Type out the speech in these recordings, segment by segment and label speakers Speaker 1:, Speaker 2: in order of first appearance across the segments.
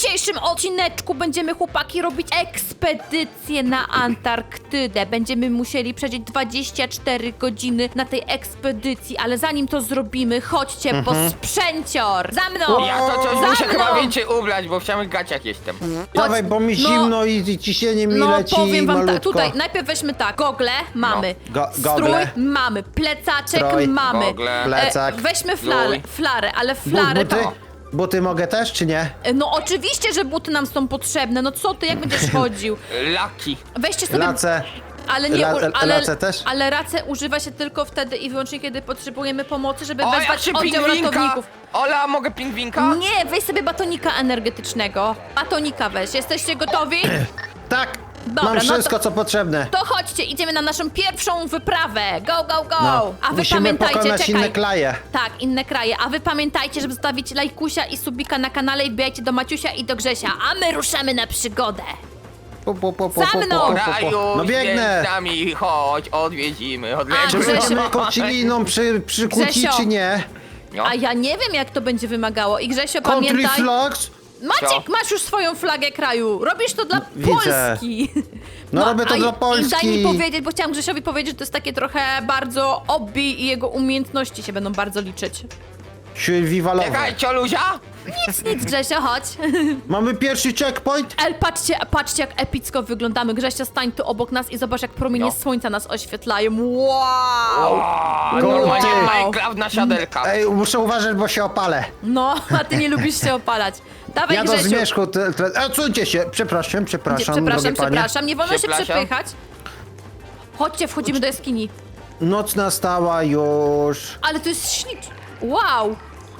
Speaker 1: dzisiejszym odcineczku będziemy, chłopaki, robić ekspedycję na Antarktydę. Będziemy musieli przejść 24 godziny na tej ekspedycji, ale zanim to zrobimy, chodźcie po sprzęcior! Za mną!
Speaker 2: Ja to coś
Speaker 1: Za
Speaker 2: muszę
Speaker 1: mną!
Speaker 2: chyba więcej ubrać, bo w samych gaciach jestem.
Speaker 3: Dawaj, bo mi zimno i ciśnienie mi
Speaker 1: No
Speaker 3: leci
Speaker 1: powiem wam
Speaker 3: malutko.
Speaker 1: tak, tutaj najpierw weźmy tak, gogle mamy,
Speaker 3: Gogle.
Speaker 1: strój mamy, plecaczek
Speaker 3: Strój,
Speaker 1: mamy,
Speaker 2: gogle,
Speaker 3: plecak,
Speaker 1: weźmy
Speaker 2: strój.
Speaker 1: flarę, ale flarę
Speaker 3: Buty?
Speaker 1: to...
Speaker 3: Buty mogę też, czy nie?
Speaker 1: No oczywiście, że buty nam są potrzebne, no co ty, jak będziesz chodził?
Speaker 2: Laki.
Speaker 1: Weźcie sobie...
Speaker 3: Lace.
Speaker 1: Ale nie,
Speaker 3: Lace też?
Speaker 1: ale racę używa się tylko wtedy i wyłącznie, kiedy potrzebujemy pomocy, żeby
Speaker 2: O, jak
Speaker 1: wezwać
Speaker 2: się
Speaker 1: oddział
Speaker 2: pingwinka!
Speaker 1: ratowników.
Speaker 2: Ola, mogę pingwinka?
Speaker 1: Nie, weź sobie batonika energetycznego. Batonika weź. Jesteście gotowi?
Speaker 3: Tak,
Speaker 1: Dobra,
Speaker 3: mam
Speaker 1: no
Speaker 3: wszystko,
Speaker 1: to-
Speaker 3: co potrzebne.
Speaker 1: To chodźcie, idziemy na naszą pierwszą wyprawę. Go, go, go!
Speaker 3: No,
Speaker 1: A wy
Speaker 3: musimy
Speaker 1: pamiętajcie,
Speaker 3: pokonać
Speaker 1: czekaj.
Speaker 3: inne kraje.
Speaker 1: Tak, inne kraje. A wy pamiętajcie, żeby zostawić lajkusia i subika na kanale i wbijajcie do Maciusia i do Grzesia. A my ruszamy na przygodę. Za mną!
Speaker 2: Raju,
Speaker 3: No biegnę.
Speaker 2: z nami, chodź, odwiedzimy,
Speaker 1: A,
Speaker 3: Czy
Speaker 1: Grzesiu-
Speaker 3: my mamy kociliną przykłócić,
Speaker 1: Grzesio.
Speaker 3: czy nie?
Speaker 2: No.
Speaker 1: A ja nie wiem, jak to będzie wymagało. I Grzesio,
Speaker 3: Country
Speaker 1: pamiętaj...
Speaker 3: flags?
Speaker 1: Maciek,
Speaker 2: Co?
Speaker 1: masz już swoją flagę kraju. Robisz to dla
Speaker 3: Widzę.
Speaker 1: Polski.
Speaker 3: No, robię to
Speaker 1: a
Speaker 3: dla
Speaker 1: i
Speaker 3: Polski.
Speaker 1: daj mi powiedzieć, bo chciałam Grzesiowi powiedzieć, że to jest takie trochę bardzo obbi i jego umiejętności się będą bardzo liczyć.
Speaker 3: Survivalowe.
Speaker 2: Czekaj, cioluzia?
Speaker 1: Nic, Grzesio, chodź.
Speaker 3: Mamy pierwszy checkpoint?
Speaker 1: Patrzcie, jak epicko wyglądamy. Grzesio, stań tu obok nas i zobacz, jak promienie
Speaker 2: No.
Speaker 1: słońca nas oświetlają. Wow!
Speaker 2: O,
Speaker 3: Kurde.
Speaker 2: normalnie Minecraft na siadelka.
Speaker 3: Ej, muszę uważać, bo się opalę.
Speaker 1: No, a ty nie lubisz się opalać. Dawaj,
Speaker 3: Ja do
Speaker 1: Grzesiu.
Speaker 3: zmierzchu... Odsuńcie się, przepraszam,
Speaker 1: Przepraszam,
Speaker 3: drogie panie.
Speaker 1: nie wolno się
Speaker 2: Przepraszam.
Speaker 1: przepychać. Chodźcie, wchodzimy do jaskini.
Speaker 3: Noc nastała już.
Speaker 1: Ale to jest ślicznie. Wow!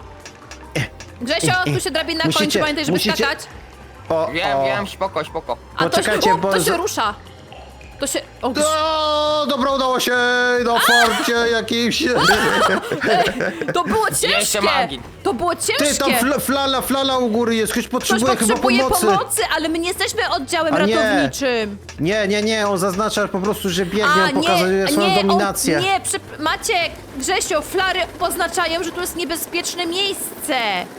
Speaker 1: Grzesio, tu się drabina kończy,
Speaker 3: Musicie-
Speaker 1: pamiętaj, żeby
Speaker 3: musicie-
Speaker 1: skakać.
Speaker 2: Wiem, spoko, spoko.
Speaker 1: A to się,
Speaker 3: Poczekajcie, bo
Speaker 1: to się
Speaker 3: za-
Speaker 1: rusza. To się... O,
Speaker 3: O, dobra, udało się na forcie jakimś.
Speaker 1: to było
Speaker 2: Jeszcze
Speaker 1: ciężkie!
Speaker 2: magii.
Speaker 1: To było
Speaker 3: Ty,
Speaker 1: ciężkie!
Speaker 3: tam flala u góry jest, ktoś
Speaker 1: Ktoś
Speaker 3: potrzebuje chyba
Speaker 1: potrzebuje
Speaker 3: pomocy.
Speaker 1: ale my nie jesteśmy oddziałem
Speaker 3: A nie.
Speaker 1: ratowniczym.
Speaker 3: Nie, on zaznacza po prostu, że biegnie, on pokazuje swoją dominację.
Speaker 1: Maciek, Grzesio, flary oznaczają, że tu jest niebezpieczne miejsce.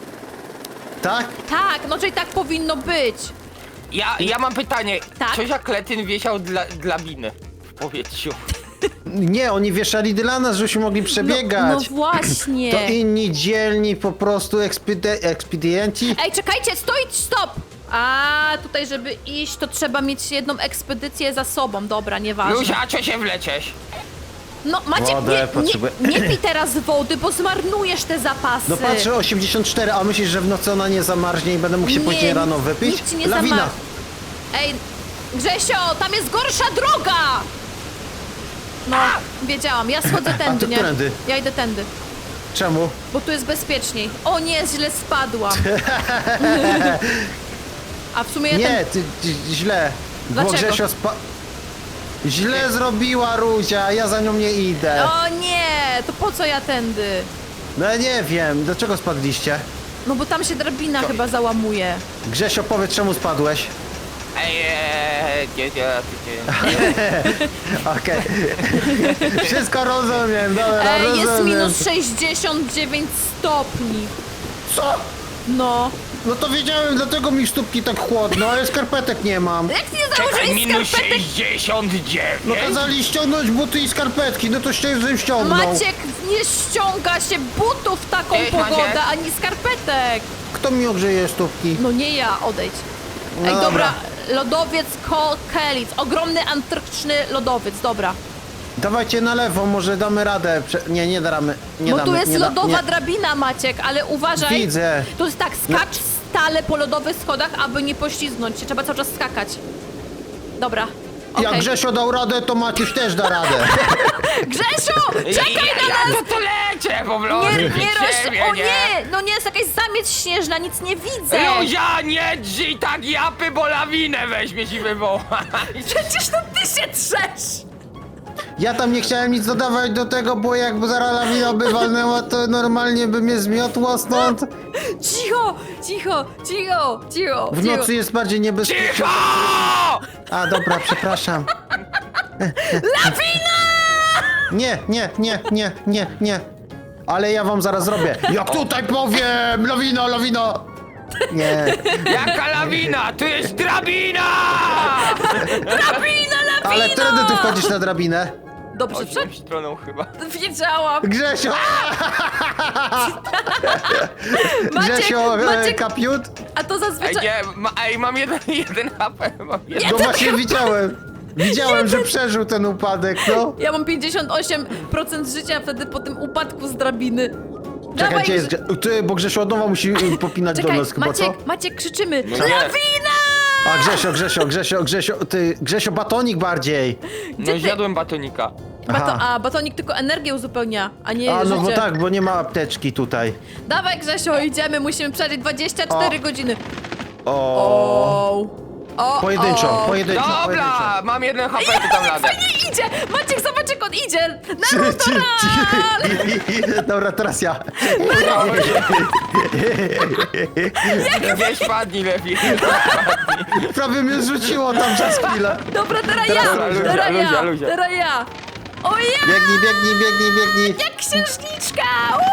Speaker 3: Tak?
Speaker 1: Tak, no czyli tak powinno być.
Speaker 2: Ja mam pytanie.
Speaker 1: Tak?
Speaker 2: Coś jak Kletyn wiesiał dla biny w powietrzu?
Speaker 3: Nie, oni wieszali dla nas, żebyśmy mogli przebiegać.
Speaker 1: No właśnie.
Speaker 3: To inni dzielni po prostu ekspedienci.
Speaker 1: Ej, czekajcie, stop! A tutaj, żeby iść, to trzeba mieć jedną ekspedycję za sobą. Dobra, nieważne.
Speaker 2: Luzia, a co się wlecieć?
Speaker 1: No Maciek,
Speaker 3: Wodę potrzebuję.
Speaker 1: nie pij teraz wody, bo zmarnujesz te zapasy.
Speaker 3: No patrzę, 84, a myślisz, że w nocy ona nie zamarznie i będę mógł się
Speaker 1: Nie,
Speaker 3: później rano wypić?
Speaker 1: nic ci nie
Speaker 3: Lawina.
Speaker 1: zamar- Ej, Grzesio, tam jest gorsza droga! No, wiedziałam, ja schodzę tędy,
Speaker 3: ty
Speaker 1: nie?
Speaker 3: którędy?
Speaker 1: Ja idę tędy,
Speaker 3: Czemu?
Speaker 1: bo tu jest bezpieczniej. O nie, źle spadłam. A w sumie ja
Speaker 3: Nie, źle. Bo
Speaker 1: Dlaczego?
Speaker 3: Grzesio źle zrobiła Ruzia, ja za nią nie idę.
Speaker 1: O nie, to po co ja tędy?
Speaker 3: No ja nie wiem, dlaczego spadliście?
Speaker 1: No bo tam się drabina chyba załamuje.
Speaker 3: Grzesio, powiedz, czemu spadłeś?
Speaker 2: Gdzie?
Speaker 3: Okej. Wszystko rozumiem, dobra,
Speaker 1: Ej, jest
Speaker 3: rozumiem.
Speaker 1: minus 69 stopni.
Speaker 3: Co?
Speaker 1: No.
Speaker 3: No to wiedziałem, dlatego mi stópki tak chłodno, ale skarpetek nie mam.
Speaker 1: Jak nie
Speaker 2: Czekaj,
Speaker 1: założyłeś
Speaker 2: minus
Speaker 1: skarpetek?
Speaker 2: 69?
Speaker 3: No kazali ściągnąć buty i skarpetki, no to żebym ściągnął.
Speaker 1: Maciek, nie ściąga się butów w taką
Speaker 2: Cześć, Maciek.
Speaker 1: pogodę, ani skarpetek.
Speaker 3: Kto mi ogrzeje stópki?
Speaker 1: No nie ja, odejdź.
Speaker 3: No
Speaker 1: Ej, dobra,
Speaker 3: dobra.
Speaker 1: lodowiec Kelic, ogromny antarktyczny lodowiec, dobra.
Speaker 3: Dawajcie na lewo, może damy radę. Nie damy. Nie
Speaker 1: Bo
Speaker 3: damy,
Speaker 1: tu jest
Speaker 3: nie da-
Speaker 1: lodowa
Speaker 3: nie.
Speaker 1: drabina, Maciek, ale uważaj.
Speaker 3: Widzę.
Speaker 1: Tu jest tak, skacz stale po lodowych schodach, aby nie poślizgnąć się, trzeba cały czas skakać. Dobra, okej.
Speaker 3: Jak Grzesio dał radę, to Maciuś też da radę.
Speaker 1: Grzesiu, czekaj na nas!
Speaker 2: Ja to lecę po prostu.
Speaker 1: Nie
Speaker 2: przed siebie,
Speaker 1: o nie, no nie, jest jakaś zamieć śnieżna, nic nie widzę.
Speaker 2: Luzia, nie drzyj tak japy, bo lawinę weźmie ci wywoła.
Speaker 1: Przecież to ty się trzesz.
Speaker 3: Ja tam nie chciałem nic dodawać do tego, bo jakby zaraz lawina by walnęła, to normalnie by mnie zmiotło stąd.
Speaker 1: Cicho.
Speaker 3: W nocy jest bardziej niebezpieczne.
Speaker 2: Cicho!
Speaker 3: A, dobra, przepraszam.
Speaker 1: Lawina!
Speaker 3: Nie. Ale ja wam zaraz zrobię. Jak tutaj powiem! Lawina! Nie.
Speaker 2: Jaka lawina? Tu jest drabina!
Speaker 1: Drabina,
Speaker 3: Ale wtedy ty wchodzisz na drabinę.
Speaker 1: Dobrze,
Speaker 2: Chodź tą stroną chyba.
Speaker 1: wiedziałam.
Speaker 3: Grzesio! Grzesio, kapiut?
Speaker 1: A to
Speaker 2: Ej,
Speaker 1: zazwyczaj...
Speaker 2: nie, mam jeden HP, mam jeden.
Speaker 3: No właśnie widziałem. Widziałem, że przeżył ten upadek, no.
Speaker 1: Ja mam 58% życia wtedy po tym upadku z drabiny.
Speaker 3: Czekaj,
Speaker 1: Dawaj,
Speaker 3: gdzie jest Ty, bo Grzesio od nowa musi popinać
Speaker 1: Czekaj,
Speaker 3: do nas chyba, co?
Speaker 1: Maciek, krzyczymy.
Speaker 2: nie.
Speaker 1: Lawina!
Speaker 3: A Grzesio, batonik bardziej.
Speaker 1: Gdzie
Speaker 2: No
Speaker 1: ty-
Speaker 2: zjadłem batonika.
Speaker 3: Aha.
Speaker 1: Batonik tylko energię uzupełnia, a nie
Speaker 3: A, no
Speaker 1: życie.
Speaker 3: bo tak, bo nie ma apteczki tutaj.
Speaker 1: Dawaj, Grzesio, idziemy, musimy przeżyć 24 godziny.
Speaker 3: O.
Speaker 1: O,
Speaker 3: Pojedynczo.
Speaker 2: Dobra, mam jeden HP, tu tam ladę.
Speaker 1: Fajnie idzie! Maciek, zobacz jak on idzie! Naruto Run!
Speaker 3: Dobra, teraz ja.
Speaker 2: Gdzieś padnij lepiej.
Speaker 3: Prawie mnie zrzuciło tam przez chwilę.
Speaker 1: Dobra, teraz
Speaker 3: Teraz
Speaker 1: ja!
Speaker 3: Luzia,
Speaker 1: Teraz
Speaker 2: Luzia,
Speaker 1: ja!
Speaker 2: Luzia.
Speaker 1: Teraz ja! O ja!
Speaker 3: Biegnij.
Speaker 1: Jak księżniczka!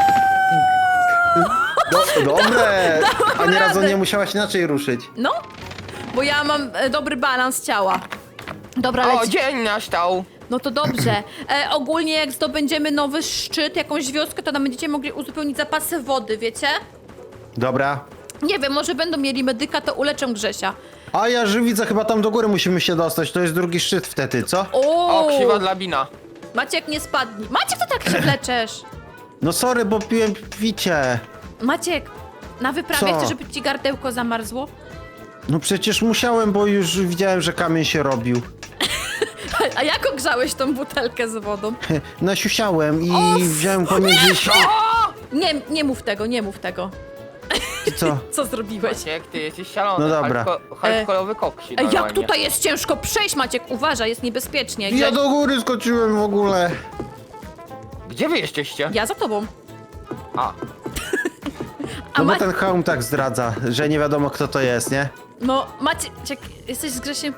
Speaker 3: Dobre. A
Speaker 1: Dałam
Speaker 3: nie razu
Speaker 1: radę.
Speaker 3: nie musiałaś inaczej ruszyć.
Speaker 1: No, bo ja mam dobry balans ciała. Dobra,
Speaker 2: O,
Speaker 1: leci.
Speaker 2: dzień nastał.
Speaker 1: No to dobrze. Ogólnie jak zdobędziemy nowy szczyt, jakąś wioskę, to nam będziecie mogli uzupełnić zapasy wody, wiecie?
Speaker 3: Dobra.
Speaker 1: Nie wiem, może będą mieli medyka, to uleczę Grzesia.
Speaker 3: A ja że widzę, chyba tam do góry musimy się dostać. To jest drugi szczyt wtedy, co?
Speaker 2: O, krzywa drabina.
Speaker 1: Maciek, nie spadnij. Maciek, to tak się wleczesz.
Speaker 3: No sorry, bo piłem picie.
Speaker 1: Maciek, na wyprawie
Speaker 3: Co?
Speaker 1: chcesz, żeby ci gardełko zamarzło?
Speaker 3: No przecież musiałem, bo już widziałem, że kamień się robił.
Speaker 1: A jak ogrzałeś tą butelkę z wodą?
Speaker 3: Nasiusiałem i
Speaker 1: O,
Speaker 3: wziąłem pomiędzy...
Speaker 1: Nie mów tego, nie mów tego.
Speaker 3: Co?
Speaker 1: Co zrobiłeś?
Speaker 2: Maciek, ty jesteś szalony.
Speaker 3: No dobra.
Speaker 2: Hardkorowy koksi
Speaker 1: Ej, jak
Speaker 2: normalnie.
Speaker 1: tutaj jest ciężko przejść, Maciek, uważaj, jest niebezpiecznie.
Speaker 3: Ja do góry skoczyłem w ogóle.
Speaker 2: Gdzie wy jesteście?
Speaker 1: Ja za tobą.
Speaker 2: A,
Speaker 1: A
Speaker 3: No bo
Speaker 1: Ma...
Speaker 3: ten hełm tak zdradza, że nie wiadomo kto to jest, nie?
Speaker 1: No, Maciek, jesteś z Grzesiem...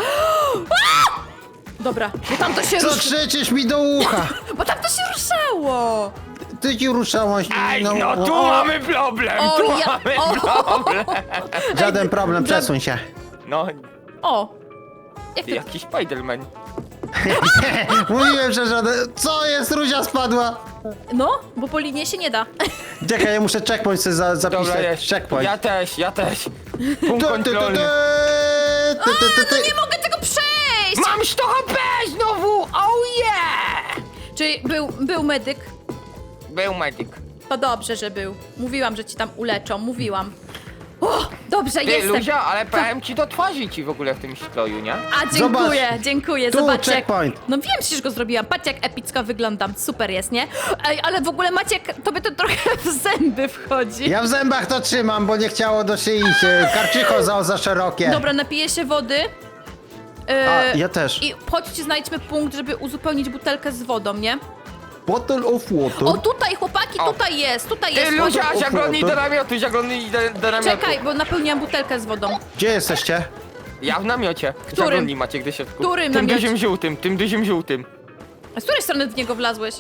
Speaker 1: Dobra, bo tam to się
Speaker 3: Co
Speaker 1: rusz...
Speaker 3: krzyczysz mi do ucha?
Speaker 1: Bo tam to się ruszało!
Speaker 3: Ty ci ruszałaś.
Speaker 2: ej, no tu mamy problem,
Speaker 1: O,
Speaker 2: tu
Speaker 1: ja-
Speaker 2: mamy
Speaker 1: o.
Speaker 2: problem.
Speaker 3: Żaden problem, przesuń się.
Speaker 2: No,
Speaker 1: O! Jak to...
Speaker 2: jakiś Spiderman.
Speaker 3: Mówiłem, że żaden... Co jest? Ruzia spadła.
Speaker 1: No, bo po linie się nie da.
Speaker 3: Czekaj, ja muszę checkpoint sobie
Speaker 2: Dobra,
Speaker 3: zapisać.
Speaker 2: jest.
Speaker 3: Checkpoint.
Speaker 2: Ja też. Punkt kontrolny.
Speaker 1: No nie mogę tego przejść!
Speaker 2: Mam 100 HP znowu! Oh yeah!
Speaker 1: Czyli był medyk?
Speaker 2: Był medyk.
Speaker 1: To dobrze, że był. Mówiłam, że ci tam uleczą, mówiłam. O, dobrze,
Speaker 2: Ty,
Speaker 1: jestem.
Speaker 2: Luzia, ale powiem ci do twarzy ci w ogóle w tym stroju, nie?
Speaker 1: A, dziękuję,
Speaker 3: Zobacz.
Speaker 1: dziękuję.
Speaker 3: Tu,
Speaker 1: Zobaczcie.
Speaker 3: checkpoint.
Speaker 1: No wiem, przecież go zrobiłam. Patrz, jak epicko wyglądam. Super jest, nie? Ej, ale w ogóle Maciek, tobie to trochę w zęby wchodzi.
Speaker 3: Ja w zębach to trzymam, bo nie chciało do szyi się. Karczycho za szerokie.
Speaker 1: Dobra, napiję się wody.
Speaker 3: A, ja też.
Speaker 1: I chodźcie, znajdźmy punkt, żeby uzupełnić butelkę z wodą, nie?
Speaker 3: Bottle of water.
Speaker 1: O, tutaj, chłopaki,
Speaker 2: O.
Speaker 1: tutaj jest, tutaj
Speaker 2: Ty,
Speaker 1: jest.
Speaker 2: Luzia,
Speaker 3: Chodź.
Speaker 2: zaglądnij do namiotu, zaglądnij do namiotu.
Speaker 1: Czekaj, bo napełniłam butelkę z wodą.
Speaker 3: Gdzie jesteście?
Speaker 2: Ja w namiocie.
Speaker 1: Którym?
Speaker 2: Zaglądnij, Maciek, do środku.
Speaker 1: Którym
Speaker 2: Tym
Speaker 1: namiocie?
Speaker 2: dużym żółtym, tym dużym żółtym.
Speaker 1: A z której strony w niego wlazłeś?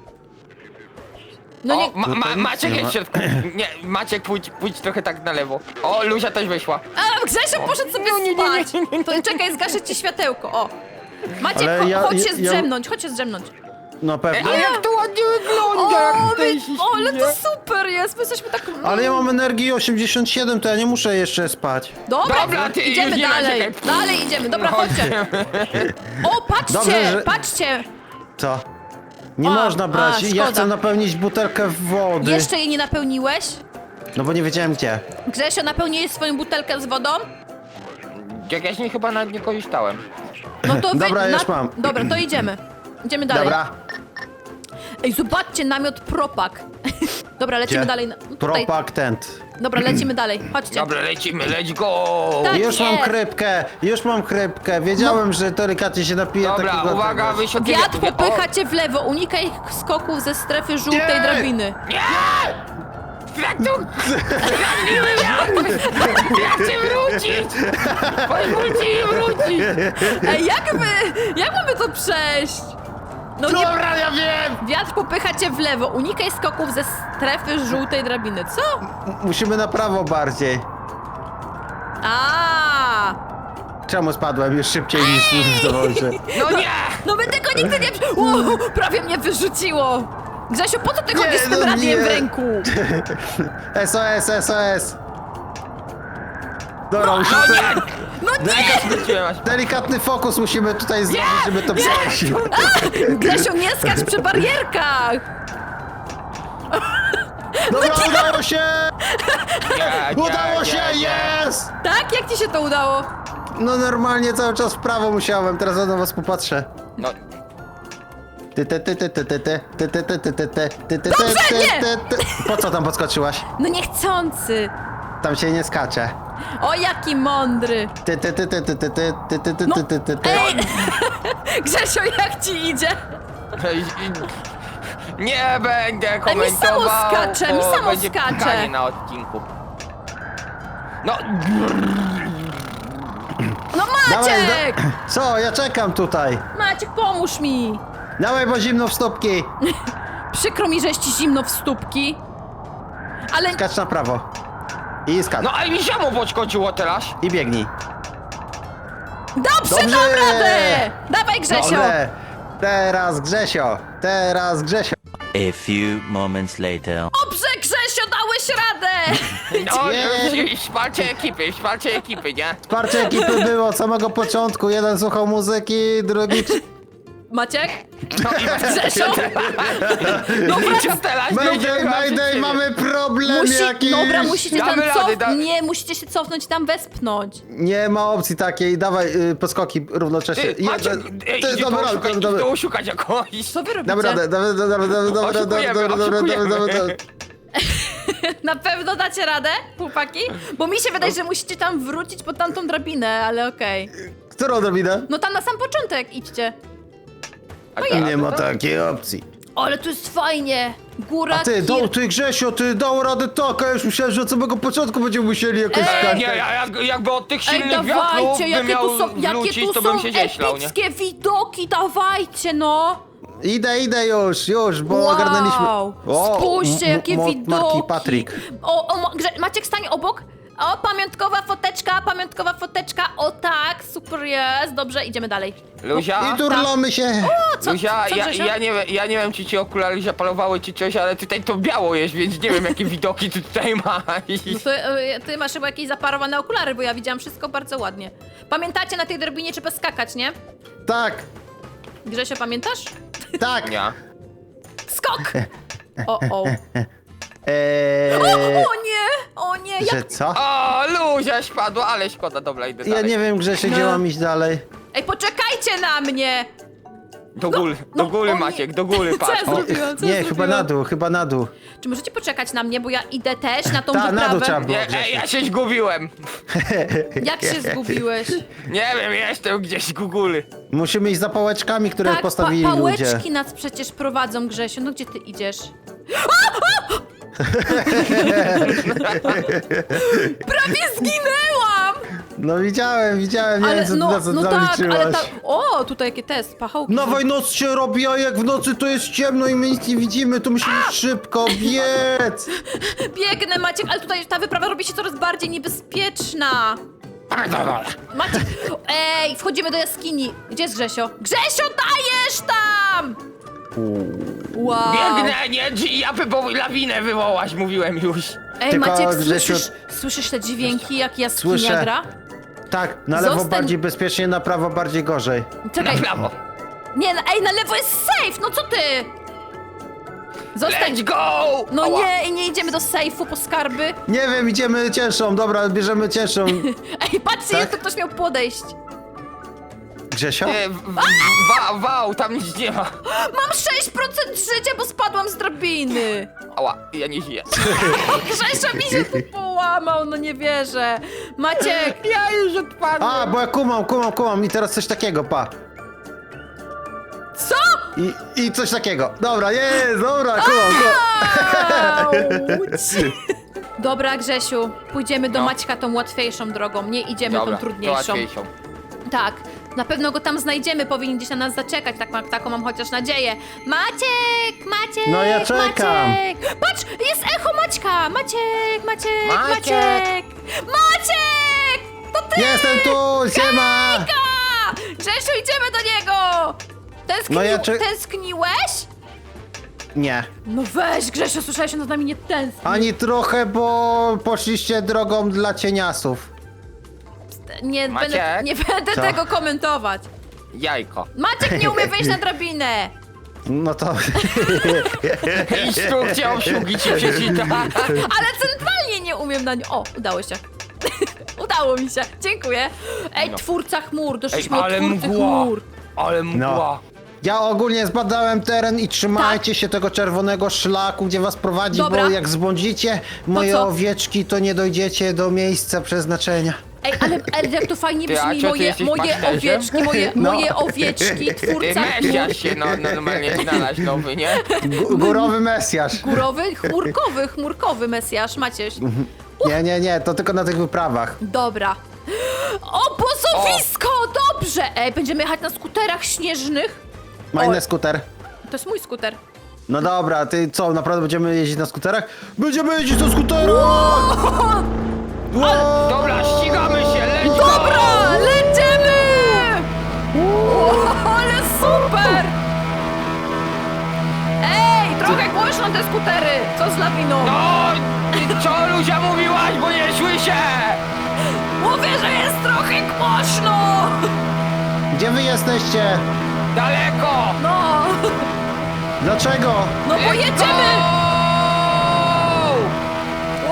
Speaker 1: No
Speaker 2: O,
Speaker 1: nie...
Speaker 3: Tutaj nic
Speaker 2: Maciek
Speaker 3: nie
Speaker 2: jest
Speaker 3: ma.
Speaker 2: w środku. Nie, Maciek, pójdź trochę tak na lewo. O, Luzia też weszła.
Speaker 1: A, Grzesio poszedł sobie spać. To czekaj, zgaszę ci światełko, o. Maciek,
Speaker 3: Ale
Speaker 1: chodź się
Speaker 3: ja-
Speaker 1: zdrzemnąć, chodź się zdrzemnąć.
Speaker 3: No
Speaker 2: Ej,
Speaker 3: pewnie.
Speaker 2: a jak to ładnie wygląda,
Speaker 1: O,
Speaker 2: jak tutaj
Speaker 1: wy-
Speaker 2: się
Speaker 1: ale
Speaker 2: śmieje.
Speaker 1: to super jest, my jesteśmy tak...
Speaker 3: Ale ja mam energii 87, to ja nie muszę jeszcze spać.
Speaker 2: Dobra, ty
Speaker 1: idziemy
Speaker 2: już nie
Speaker 1: dalej.
Speaker 2: narzekaj.
Speaker 1: Dalej idziemy, dobra,
Speaker 2: Chodź.
Speaker 1: chodźcie. O, patrzcie,
Speaker 3: Dobrze, że-
Speaker 1: patrzcie.
Speaker 3: Co? Nie
Speaker 1: A,
Speaker 3: można brać.
Speaker 1: a,
Speaker 3: Ja
Speaker 1: szkoda.
Speaker 3: chcę napełnić butelkę wody.
Speaker 1: Jeszcze jej nie napełniłeś?
Speaker 3: No bo nie wiedziałem gdzie.
Speaker 1: Grzesio, napełniłeś swoją butelkę z wodą?
Speaker 2: Jak ja z niej chyba nawet nie korzystałem.
Speaker 1: No to
Speaker 3: Dobra, już mam.
Speaker 1: Dobra, to idziemy. Idziemy dalej.
Speaker 3: Dobra.
Speaker 1: Ej, zobaczcie, namiot Propak. Dobra, lecimy
Speaker 3: Gdzie?
Speaker 1: dalej. Tutaj.
Speaker 3: Propak tent.
Speaker 1: Dobra, lecimy dalej. Chodźcie.
Speaker 2: Dobra, lecimy, let's go!
Speaker 1: Tak.
Speaker 3: Już mam
Speaker 1: jest.
Speaker 3: chrypkę, już mam chrypkę. Wiedziałem, że delikatnie się napije
Speaker 2: Dobra,
Speaker 3: takiego...
Speaker 2: uwaga,
Speaker 3: tego.
Speaker 2: wysiądziemy.
Speaker 1: Wiatr popycha cię w lewo. Unikaj skoków ze strefy żółtej
Speaker 3: Nie!
Speaker 1: drabiny.
Speaker 2: Kratu! Kradniły wiatr! Ja chcę wrócić! Pozwólcie mi wrócić!
Speaker 1: Ej, jak mamy to przejść? No nie,
Speaker 3: Dobra, ja wiem!
Speaker 1: wiatr popycha cię w lewo. Unikaj skoków ze strefy żółtej drabiny. Co?
Speaker 3: Musimy na prawo bardziej.
Speaker 1: A!
Speaker 3: Czemu spadłem już szybciej niż zdążę?
Speaker 2: No nie!
Speaker 1: No my tego nigdy nie... Prawie mnie wyrzuciło! Grzesiu, po co ty chodzisz z tym
Speaker 3: no
Speaker 1: radiem
Speaker 3: nie.
Speaker 1: w ręku?
Speaker 3: SOS, SOS! Dobra,
Speaker 2: No
Speaker 3: musimy...
Speaker 2: nie!
Speaker 1: No nie!
Speaker 2: Wróciłem aż.
Speaker 3: Delikatny fokus musimy tutaj zrobić, żeby to przejść.
Speaker 1: Grzesiu, nie skacz przy barierkach!
Speaker 3: Dobra, udało się!
Speaker 2: Nie,
Speaker 3: Udało
Speaker 2: nie,
Speaker 3: się,
Speaker 2: nie.
Speaker 3: jest!
Speaker 1: Tak? Jak ci się to udało?
Speaker 3: No normalnie cały czas w prawo musiałem, teraz na was popatrzę.
Speaker 2: No,
Speaker 1: Dobrze, nie!
Speaker 3: Po co tam podskoczyłaś?
Speaker 1: No niechcący!
Speaker 3: Tam się nie skacze.
Speaker 1: O, jaki mądry! No, ej! Grzesiu, jak ci idzie?
Speaker 2: nie będę
Speaker 1: mi
Speaker 2: komentował.
Speaker 1: samo skacze, mi
Speaker 2: bo
Speaker 1: samo
Speaker 2: będzie
Speaker 1: skacze.
Speaker 2: pikanie na odcinku. No,
Speaker 1: No Maciek!
Speaker 3: Co? Ja czekam tutaj.
Speaker 1: Maciek, pomóż mi!
Speaker 3: Dawaj, bo zimno w stópki.
Speaker 1: Przykro mi, że jest ci zimno w stópki. Ale
Speaker 3: Skacz na prawo. I skacz.
Speaker 2: no ale mi samo podskoczyło teraz.
Speaker 3: I biegnij.
Speaker 1: dobrze,
Speaker 3: Dobrze!
Speaker 1: dam radę! Dawaj, Grzesio!
Speaker 3: Dobre. Teraz Grzesio. Teraz Grzesio.
Speaker 4: A few moments later.
Speaker 1: Dobrze, Grzesio, dałeś radę!
Speaker 2: No,
Speaker 3: Nie.
Speaker 2: wsparcie ekipy, nie?
Speaker 3: Wsparcie ekipy było od samego początku. Jeden słuchał muzyki, drugi...
Speaker 1: Maciek?
Speaker 2: No i
Speaker 1: Grzesio?
Speaker 2: Co teraz?
Speaker 3: Mayday, Mayday, mamy problem jakiś.
Speaker 1: Dobra, musicie tam
Speaker 2: Damy rady,
Speaker 1: Nie, musicie się cofnąć i tam wespnąć.
Speaker 3: Nie ma opcji takiej. Dawaj podskoki równocześnie.
Speaker 2: Ty, Maciek,
Speaker 3: Ty, dobra, dobra.
Speaker 2: to szukać jakoś.
Speaker 1: Co wy robicie?
Speaker 3: Dam radę, dobra.
Speaker 1: Na pewno dacie radę, chłopaki? Bo mi się wydaje, że musicie tam wrócić pod tamtą drabinę, ale okej.
Speaker 3: Którą drabinę?
Speaker 1: No tam na sam początek idźcie.
Speaker 3: Nie ma takiej opcji.
Speaker 1: O, ale tu jest fajnie. Góra,
Speaker 3: A ty, ty Grzesio, ty dał radę tak, a już myślałem, że od samego początku będziemy musieli jakoś skakać.
Speaker 2: Nie, jakby od tych
Speaker 1: Ej,
Speaker 2: silnych wiatrów
Speaker 1: dawajcie,
Speaker 2: bym
Speaker 1: jakie
Speaker 2: miał
Speaker 1: tu są,
Speaker 2: wrócić, to bym się zieślał, nie?
Speaker 1: epickie widoki, dawajcie no!
Speaker 3: Idę już, bo
Speaker 1: Wow.
Speaker 3: ogarnęliśmy.
Speaker 1: Spójrzcie, jakie widoki!
Speaker 3: Marki Patryk.
Speaker 1: Maciek, stań obok. O, pamiątkowa foteczka, o tak, super jest, dobrze, idziemy dalej.
Speaker 2: Luzia,
Speaker 3: I turlamy się.
Speaker 1: Co,
Speaker 2: Luzia,
Speaker 1: co, Grzesio?
Speaker 2: ja nie wiem, czy ci okulary zapalowały, czy coś, ale tutaj to biało jest, więc nie wiem, jakie widoki ty tutaj masz.
Speaker 1: No to, ty masz chyba jakieś zaparowane okulary, bo ja widziałam wszystko bardzo ładnie. Pamiętacie, na tej drabinie trzeba skakać, nie?
Speaker 3: Tak,
Speaker 1: Grzesio, pamiętasz?
Speaker 3: tak.
Speaker 2: Nie.
Speaker 1: Skok! O nie,
Speaker 3: Że
Speaker 1: jak...
Speaker 3: co?
Speaker 2: O, Luzia spadła, ale szkoda, dobra, idę
Speaker 3: Ja
Speaker 2: dalej.
Speaker 3: nie wiem, Grzesio, gdzie mam iść dalej.
Speaker 1: Ej, poczekajcie na mnie!
Speaker 2: Do góry,
Speaker 1: no,
Speaker 2: do góry
Speaker 1: o nie.
Speaker 2: Maciek, do góry,
Speaker 1: Co
Speaker 2: patrz.
Speaker 1: ja zrobiłam? Co
Speaker 3: Nie,
Speaker 1: ja
Speaker 3: chyba na dół.
Speaker 1: Czy możecie poczekać na mnie, bo ja idę też na tą
Speaker 3: Ta, na dół
Speaker 1: wyprawę?
Speaker 3: trzeba było.
Speaker 2: Nie, ja się zgubiłem.
Speaker 1: Jak się zgubiłeś?
Speaker 2: Nie wiem, jestem gdzieś u góry.
Speaker 3: Musimy iść za pałeczkami, które
Speaker 1: Tak,
Speaker 3: postawili ludzie.
Speaker 1: pałeczki nas przecież prowadzą, Grzesiu. No gdzie ty idziesz? Prawie zginęłam!
Speaker 3: No widziałem, nie
Speaker 1: Ale
Speaker 3: wiem, co
Speaker 1: no,
Speaker 3: na co
Speaker 1: no tak,
Speaker 3: zaliczyłaś.
Speaker 1: ale O, tutaj jakie test, pachołki.
Speaker 3: Dawaj, noc się robi, a jak w nocy to jest ciemno i my nic nie widzimy, to musimy szybko biec.
Speaker 1: Biegnę, Maciek, ale tutaj ta wyprawa robi się coraz bardziej niebezpieczna. Maciek, ej, wchodzimy do jaskini. Gdzie jest Grzesio? Grzesio, dajesz tam! Wow.
Speaker 2: Biegnę, nie, ja lawinę wywołać, mówiłem już.
Speaker 1: Ej,
Speaker 3: Tylko,
Speaker 1: Maciek,
Speaker 3: Grzesiu,
Speaker 1: słyszysz te dźwięki, jak jaskinia
Speaker 3: Słyszę.
Speaker 1: gra?
Speaker 3: Tak, na lewo
Speaker 1: Zostań-
Speaker 3: bardziej bezpiecznie, na prawo bardziej gorzej.
Speaker 2: Na
Speaker 1: Czekaj,
Speaker 2: prawo.
Speaker 1: nie, ej, na lewo jest safe, no co ty? Zostań.
Speaker 2: Let's go!
Speaker 1: No
Speaker 2: Ała.
Speaker 1: nie, nie idziemy do sejfu po skarby.
Speaker 3: Nie wiem, idziemy cięższą, dobra, bierzemy cięższą.
Speaker 1: Ej, patrzcie,
Speaker 3: Tak?
Speaker 1: jak to ktoś miał podejść.
Speaker 3: Grzesio?
Speaker 2: Nie, wow, tam nic nie ma.
Speaker 1: Mam 6% życia, bo spadłam z drabiny.
Speaker 2: Ała, ja nie żyję.
Speaker 1: Grzesio mi się tu połamał, no nie wierzę. Maciek,
Speaker 2: Ja już odpadłem.
Speaker 3: A, bo ja kumam i teraz coś takiego, pa.
Speaker 1: co?
Speaker 3: I coś takiego. Dobra, jest, dobra, kumam.
Speaker 1: Auć. Dobra, Grzesiu, pójdziemy do
Speaker 2: No.
Speaker 1: Maćka tą łatwiejszą drogą, nie idziemy
Speaker 2: Dobra,
Speaker 1: tą
Speaker 2: to
Speaker 1: trudniejszą.
Speaker 2: łatwiejszą.
Speaker 1: Tak, na pewno go tam znajdziemy, powinien gdzieś na nas zaczekać, taką mam chociaż nadzieję. Maciek!
Speaker 3: No ja czekam.
Speaker 1: Maciek! Patrz, jest echo Maćka! Maciek!
Speaker 2: Maciek!
Speaker 1: Maciek!
Speaker 3: Jestem tu, siema!
Speaker 1: A! Grzesiu, idziemy do niego!
Speaker 3: No ja czy-
Speaker 1: Tęskniłeś?
Speaker 3: Nie.
Speaker 1: No weź, Grzesiu, słyszałeś, że nad nami nie tęskni.
Speaker 3: Ani trochę, bo poszliście drogą dla cieniasów.
Speaker 1: Nie
Speaker 2: Maciek?
Speaker 1: będę, nie będę
Speaker 3: Co?
Speaker 1: tego komentować.
Speaker 2: Jajko.
Speaker 1: Maciek nie umie wejść na drabinę.
Speaker 3: No to...
Speaker 2: Instrukcja obsługi ci przeczyta.
Speaker 1: Ale centralnie nie umiem na nią. O, udało się. Udało mi się, dziękuję. Ej,
Speaker 2: No.
Speaker 1: twórca chmur,
Speaker 2: Ej,
Speaker 1: doszliśmy
Speaker 2: ale
Speaker 1: od twórcy
Speaker 2: mgła.
Speaker 1: chmur.
Speaker 2: Ale mgła.
Speaker 3: No. Ja ogólnie zbadałem teren i trzymajcie
Speaker 1: Tak.
Speaker 3: się tego czerwonego szlaku, gdzie was prowadzi,
Speaker 1: Dobra.
Speaker 3: bo jak zbłądzicie moje
Speaker 1: co?
Speaker 3: owieczki, to nie dojdziecie do miejsca przeznaczenia.
Speaker 1: Ej, ale jak to fajnie
Speaker 2: Ty, a
Speaker 1: brzmi,
Speaker 2: co, ty jesteś
Speaker 1: moje
Speaker 2: pasterzem?
Speaker 1: owieczki,
Speaker 3: No.
Speaker 1: moje owieczki,
Speaker 2: Ty
Speaker 1: twórca chmur.
Speaker 2: mesiasz się normalnie znalazł nowy, nie?
Speaker 3: Górowy Mesjasz.
Speaker 1: Górowy, chmurkowy Mesjasz, Macieś.
Speaker 3: Nie, to tylko na tych wyprawach.
Speaker 1: Dobra. Obozowisko, dobrze! Ej, będziemy jechać na skuterach śnieżnych.
Speaker 3: Majny
Speaker 1: Oj.
Speaker 3: skuter.
Speaker 1: To jest mój skuter.
Speaker 3: No dobra, ty co, naprawdę będziemy jeździć na skuterach? Będziemy jeździć na skuterach! Wow!
Speaker 2: Dobra, ścigamy się, leć go!
Speaker 1: Dobra, lecimy! Ale super! Ej, trochę głośno te skutery! Co z lawiną?
Speaker 2: No, ty co Luzia mówiłaś, bo nie słyszę!
Speaker 1: Mówię, że jest trochę głośno!
Speaker 3: Gdzie wy jesteście?
Speaker 2: Daleko!
Speaker 1: No,
Speaker 3: Dlaczego?
Speaker 1: no bo
Speaker 2: Let's
Speaker 1: jedziemy!
Speaker 2: go!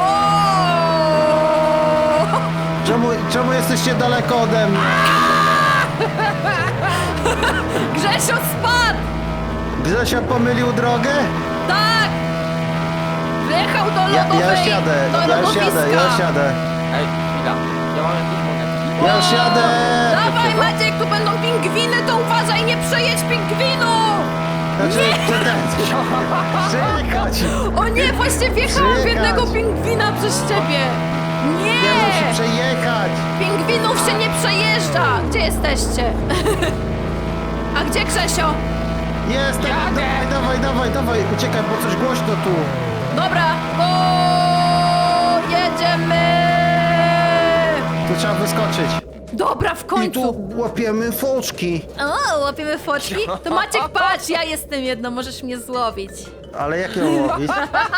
Speaker 1: Wow!
Speaker 3: Czemu jesteście daleko ode mnie?
Speaker 1: Grzesio spadł!
Speaker 3: Grzesio pomylił drogę?
Speaker 1: Tak! Wjechał do
Speaker 3: Ja
Speaker 1: lodowej,
Speaker 3: już jadę,
Speaker 1: do
Speaker 3: ja już jadę, ja już jadę.
Speaker 2: Ej, chwila, ja mam jakieś monetki.
Speaker 3: Ja już jadę!
Speaker 1: Dawaj Maciek, tu będą pingwiny, to uważaj, nie przejedź pingwinu!
Speaker 3: Znaczy, Przejechać!
Speaker 1: O nie, właśnie wjechałam w
Speaker 3: Przyjechać.
Speaker 1: jednego pingwina przez ciebie!
Speaker 3: Nie musi
Speaker 1: Nie!
Speaker 3: przejechać!
Speaker 1: Pingwinów się nie przejeżdża! Gdzie jesteście? A gdzie Grzesio?
Speaker 3: Jestem!
Speaker 2: Jadę.
Speaker 3: Dawaj! Uciekaj, bo coś głośno tu!
Speaker 1: Dobra, go! Jedziemy!
Speaker 3: Tu trzeba wyskoczyć.
Speaker 1: Dobra, w
Speaker 3: I
Speaker 1: końcu!
Speaker 3: tu łapiemy foczki.
Speaker 1: O, łapiemy foczki? To Maciek, patrz, ja jestem jedno, możesz mnie złowić.
Speaker 3: Ale jak ją łowić?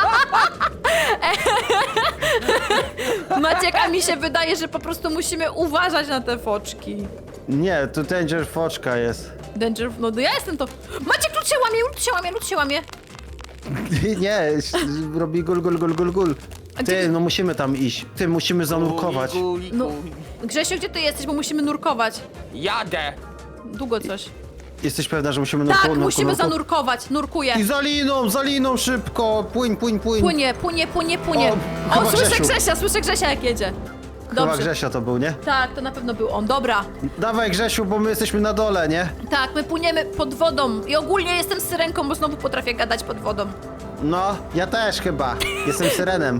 Speaker 1: Maciek, a mi się wydaje, że po prostu musimy uważać na te foczki.
Speaker 3: Nie, tu danger foczka jest.
Speaker 1: Danger, no ja jestem to... Maciek, lód się łamie!
Speaker 3: Nie, robi gul.
Speaker 1: A gdzie
Speaker 3: Ty,
Speaker 1: ty-
Speaker 3: no musimy tam iść. Ty, musimy zanurkować.
Speaker 1: No, Grzesio, gdzie ty jesteś, bo musimy nurkować.
Speaker 2: Jadę!
Speaker 1: Długo coś.
Speaker 3: Jesteś pewna, że musimy
Speaker 1: Tak,
Speaker 3: nurkować?
Speaker 1: musimy zanurkować, nurkuję.
Speaker 3: I za liną szybko! Płyń!
Speaker 1: Płynie.
Speaker 3: O,
Speaker 1: O,
Speaker 3: chyba
Speaker 1: słyszę Grzesia jak jedzie.
Speaker 3: Chyba
Speaker 1: Dobrze.
Speaker 3: Grzesio to był, nie?
Speaker 1: Tak, to na pewno był on. Dobra.
Speaker 3: Dawaj Grzesiu, bo my jesteśmy na dole, nie?
Speaker 1: Tak, my płyniemy pod wodą. I ogólnie jestem syrenką, bo znowu potrafię gadać pod wodą.
Speaker 3: No, ja też chyba. Jestem syrenem.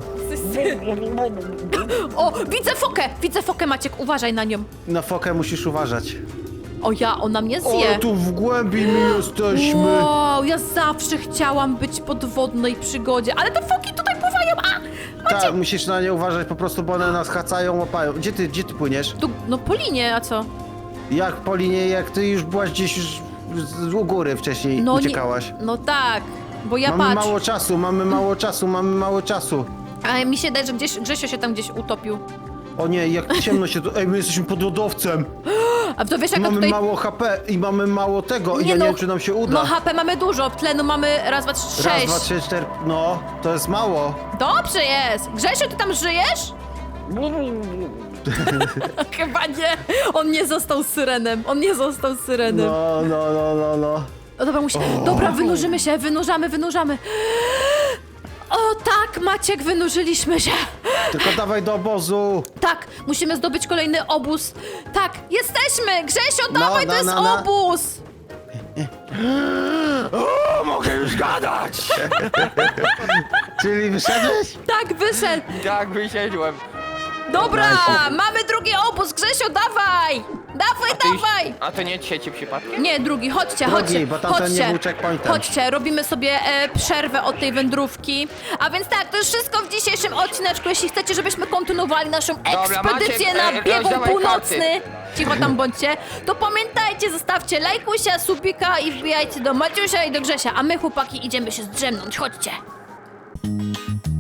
Speaker 1: O, widzę fokę, Maciek, uważaj na nią.
Speaker 3: Na fokę musisz uważać.
Speaker 1: O ja, ona mnie
Speaker 3: O,
Speaker 1: zje.
Speaker 3: tu w głębi my jesteśmy.
Speaker 1: Wow, ja zawsze chciałam być pod wodnej przygodzie, ale te foki tutaj pływają,
Speaker 3: Tak, musisz na nie uważać po prostu, bo one nas hacają, łapają. Gdzie ty płyniesz?
Speaker 1: Tu, no po linie, a co?
Speaker 3: Jak po linie, jak ty już byłaś gdzieś już u góry wcześniej
Speaker 1: No
Speaker 3: uciekałaś.
Speaker 1: No tak, bo ja
Speaker 3: Mamy
Speaker 1: patrz.
Speaker 3: mamy mało czasu.
Speaker 1: A mi się daje, że Grzesio się tam gdzieś utopił.
Speaker 3: O nie, jak ciemno się tu... Ej, my jesteśmy pod lodowcem.
Speaker 1: A to wiesz, jak
Speaker 3: Mamy
Speaker 1: tutaj...
Speaker 3: mało HP i mamy mało tego. I ja nie wiem, czy nam się uda.
Speaker 1: No HP mamy dużo, tlenu mamy raz, dwa, trzy,
Speaker 3: Raz,
Speaker 1: sześć.
Speaker 3: 2, 3, 4... No, to jest mało.
Speaker 1: Dobrze jest. Grzesiu, ty tam żyjesz? Chyba nie. On nie został syrenem.
Speaker 3: No.
Speaker 1: O, dobra, Dobra, wynurzamy. O tak, Maciek, wynurzyliśmy się.
Speaker 3: Tylko dawaj do obozu.
Speaker 1: Tak, musimy zdobyć kolejny obóz. Tak, jesteśmy! Grzesio, dawaj, to jest
Speaker 3: no.
Speaker 1: obóz!
Speaker 2: O, mogę już gadać!
Speaker 3: Czyli wyszedłeś?
Speaker 1: Tak, wyszedł.
Speaker 2: Tak, wysiedłem.
Speaker 1: Dobra, mamy drugi obóz, Grzesio, dawaj! Dawaj! dawaj!
Speaker 2: A to nie trzeci przypadkiem?
Speaker 1: Nie, drugi, chodźcie,
Speaker 3: Drugi,
Speaker 1: chodźcie,
Speaker 3: bo tamten nie
Speaker 1: chodźcie,
Speaker 3: był checkpointem.
Speaker 1: chodźcie, robimy sobie przerwę od tej wędrówki. A więc tak, to już wszystko w dzisiejszym odcineczku. Jeśli chcecie, żebyśmy kontynuowali naszą ekspedycję
Speaker 2: Maciek,
Speaker 1: na biegun
Speaker 2: rozdawaj
Speaker 1: północny, cicho tam bądźcie, to pamiętajcie, zostawcie lajkusia, subika i wbijajcie do Maciusia i do Grzesia, a my chłopaki idziemy się zdrzemnąć, chodźcie.